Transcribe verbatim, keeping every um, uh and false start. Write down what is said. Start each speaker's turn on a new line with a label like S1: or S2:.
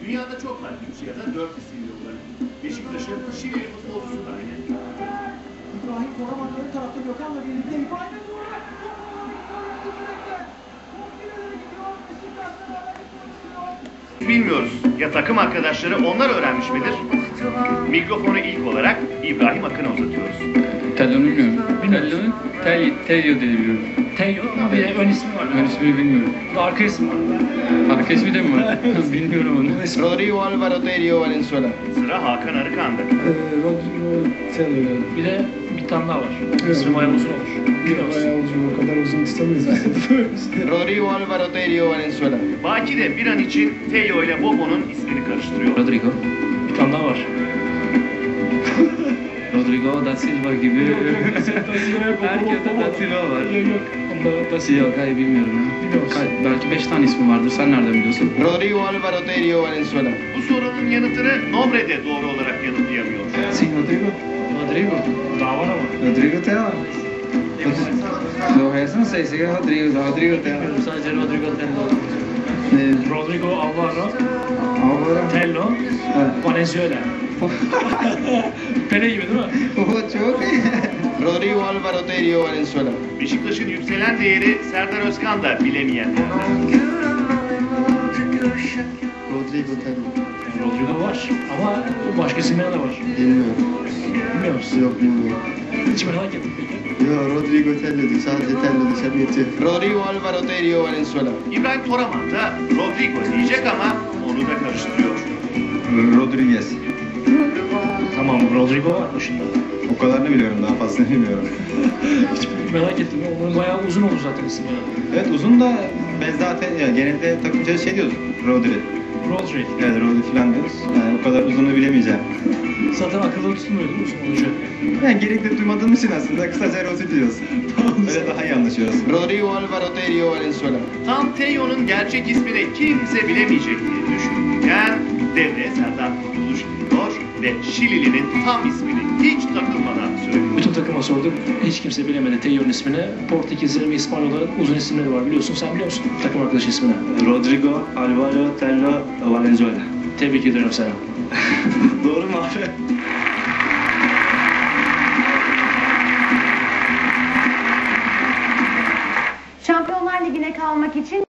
S1: Dünyada çok var üç ya da dört isim yolları. Beşiktaş'ın Şilili futbolcusu da aynı.
S2: İbrahim Koraman ön tarafta Gökhan'la birlikte İbrahim'e doğru.
S1: Bilmiyoruz. Ya takım arkadaşları onlar öğrenmiş midir? Mikrofonu ilk olarak İbrahim Akın'a uzatıyoruz.
S3: Tello'nu bilmiyorum. Tello'nun Tel, Tello diye biliyorum.
S4: Tello ama bir de ön ismi var.
S3: Ön ismini bilmiyorum.
S4: Arka ismi var.
S3: Arka ismi de mi var? Bilmiyorum onu.
S5: Rodrigo Alvaro Tello Valenzuela.
S1: Sıra Hakan Arıkan'da.
S6: Rodrigo Tello.
S4: Bir de bir tane daha var. İsmi bayağı uzun olur. Biliyor musun?
S6: Bayağı uzun, o kadar uzun tutamayız.
S5: Rodrigo Alvaro Tello Valenzuela.
S1: Baki de bir an için Tello ile Bobo'nun ismini karıştırıyor.
S3: Rodrigo.
S4: Bir tane daha var.
S3: Rodrigo da Silva gibi. Herkeste da Silva var.
S4: Yok yok. Onda da
S3: Yok, hayır bilmiyorum ya. Ka- belki beş tane ismi vardır. Sen nereden biliyorsun?
S5: Rodrigo Alvaro Tello Valenzuela.
S1: Bu sorunun yanıtını Nobre de doğru olarak yanıtlayamıyor.
S6: Sim, Rodrigo.
S3: Rodrigo.
S4: daha var ama.
S6: Rodrigo Tello. O resto não sei, sei que é Rodrigo, Rodrigo Tello.
S4: Sadece Rodrigo Tello.
S6: Eh,
S4: Rodrigo Alvaro
S6: Álvaro.
S4: Tello Valenzuela. Pele gibi değil mi?
S6: Oh, çok iyi.
S5: Rodrigo Alvaro Tello Valenzuela.
S1: Beşiktaş'ın yükselen değeri Serdar Özkan da bilemeyenlerden.
S6: Rodrigo Tello.
S4: Rodrigo var ama başka isimler de var.
S6: Bilmiyorum.
S4: Bilmiyor musun?
S6: Yok bilmiyorum.
S4: Hiç merak ettim peki.
S6: Yo, Rodrigo Tello diyor. Sadece Tello desem yetiyor.
S5: Rodrigo Alvaro Tello Valenzuela.
S1: İbrahim Toraman da Rodrigo diyecek ama onu da karıştırıyor.
S7: Rodriguez.
S4: Tamam Rodrigo var başında.
S7: O kadarını biliyorum, daha fazlasını bilmiyorum.
S4: Hiç merak ettim. Onun bayağı uzun oldu zaten ismi.
S7: Evet, uzun da biz zaten ya, genelde takımca şey diyoruz, Rodri.
S4: Rodri.
S7: Evet, Rodri falan diyoruz. Yani o kadar uzunluğu bilemeyeceğim.
S4: Zaten akılda tutulmuyor değil mi uzun olunca?
S7: Yani gerekli duymadığım için aslında kısaca Rodri diyoruz. Öyle daha iyi anlaşıyoruz.
S5: Rodrigo Alvaro Tello Valenzuela.
S1: Tam Tello'nun gerçek ismini kimse bilemeyecek diye düşünürken devreye Serdar Kurtuluş giriyor ve Şilili'nin tam ismini hiç takılmadan söylüyor.
S4: Bütün takıma sorduk. Hiç kimse bilemedi Tello'nun ismini. Portekizlerin ve İspanyolların uzun isimleri var biliyorsun. Sen biliyor musun takım arkadaş ismini?
S8: Rodrigo Alvaro Tello Valenzuela.
S4: Tebrik ediyorum seni.
S8: Doğru mu abi?
S9: Şampiyonlar Ligi'ne kalmak için